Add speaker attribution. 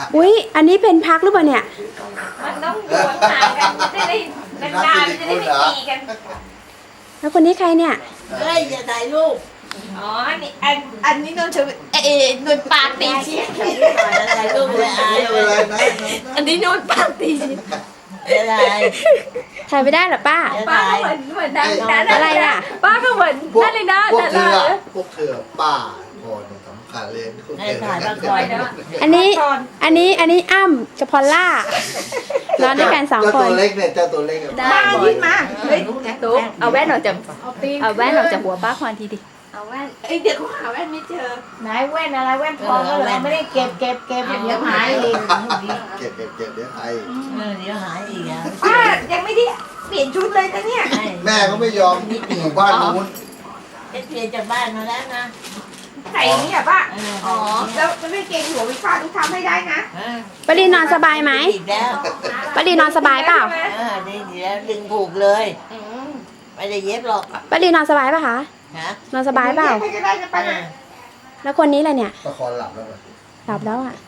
Speaker 1: อุ้ยอันนี้เป็นพักหรือเปล่าเนี่ย
Speaker 2: มันต้องโดนห่างกันจะได้นานๆจะได้ไม่ตีกัน
Speaker 1: แล้วคนนี้ใครเนี่ย
Speaker 3: เฮ้ยอย่าถ่ายรูป
Speaker 2: อ๋ออันนี้นนท์ชนนท์ปากตีชี้
Speaker 3: ถ่ายรูปเลยอาย
Speaker 4: ไม่
Speaker 3: เล
Speaker 4: เป็นไร
Speaker 3: ย
Speaker 4: นะ
Speaker 2: อันนี้นนท์ปากตีชี้
Speaker 3: อะไร
Speaker 1: ถ่ายไม่ได้เหรอป้า
Speaker 2: ป้าก็เหมือนดังนั้น
Speaker 1: อะไรอ่ะ
Speaker 2: ป้าก็เหมือน
Speaker 4: พวก
Speaker 2: นั่นเลยนะ
Speaker 4: พวก
Speaker 2: แต่
Speaker 4: เธ
Speaker 2: ละ
Speaker 4: อพวกเธอป้าคนสำคัญเลยพวก
Speaker 3: ให้
Speaker 4: เธอ
Speaker 3: ถ่ายบ้างก่อนนะ
Speaker 1: อันนี้อ้ำกับพอลล่านอนด้วยกันสอง
Speaker 4: เจ้า
Speaker 1: ค
Speaker 4: ตัวน เล็กเนี่ยเจ้าตัวเล็ก
Speaker 2: บ้ายิ้มมาเฮ้ยตุ๊ก
Speaker 5: เอาแว่นออกจากเอาแว่นออกจากหัวป้าคอนทีดิ
Speaker 2: เอาแว่นเดี๋ยวเขาหาแว่นไม่เจอ
Speaker 5: ไหนแว่นอะไรแว่นทองก็เลยไม่ได้เก็บเดี๋ยวหายอีก
Speaker 4: เก็บเดี๋ยวไอ้
Speaker 3: เดี๋ยวหายอีกอ่ะ
Speaker 2: ป้ายังไม่ได้เปลี่ยนชุดเลยนะเนี่ย
Speaker 4: แม่ก็ไม่ยอมอยู่บ้านนู้น
Speaker 3: เปลี่ยนจากบ้านมาแล้วนะ
Speaker 2: ใส่อย่างนี้อ่ะป้า
Speaker 3: อ๋อ
Speaker 2: แล้วจะไม่เกรงหัววิฟ้าทุกทำให้ได้นะ
Speaker 1: ปรีนอนสบายไหม
Speaker 3: อีกแล้ว
Speaker 1: ปรีนอนสบายเปล่า
Speaker 3: ดีแล้วดึงผูกเลยไม่ได้เย็บหรอก
Speaker 1: ปรีนอนสบายป่ะคะ
Speaker 3: ฮะ
Speaker 1: นอนสบายเปล่า
Speaker 2: ให้ก็ได้นะป้านะ
Speaker 1: แล้วคนนี้แหละเนี่ย
Speaker 4: ประคองหลับแล้ว
Speaker 1: หลับแล้วอ่ะ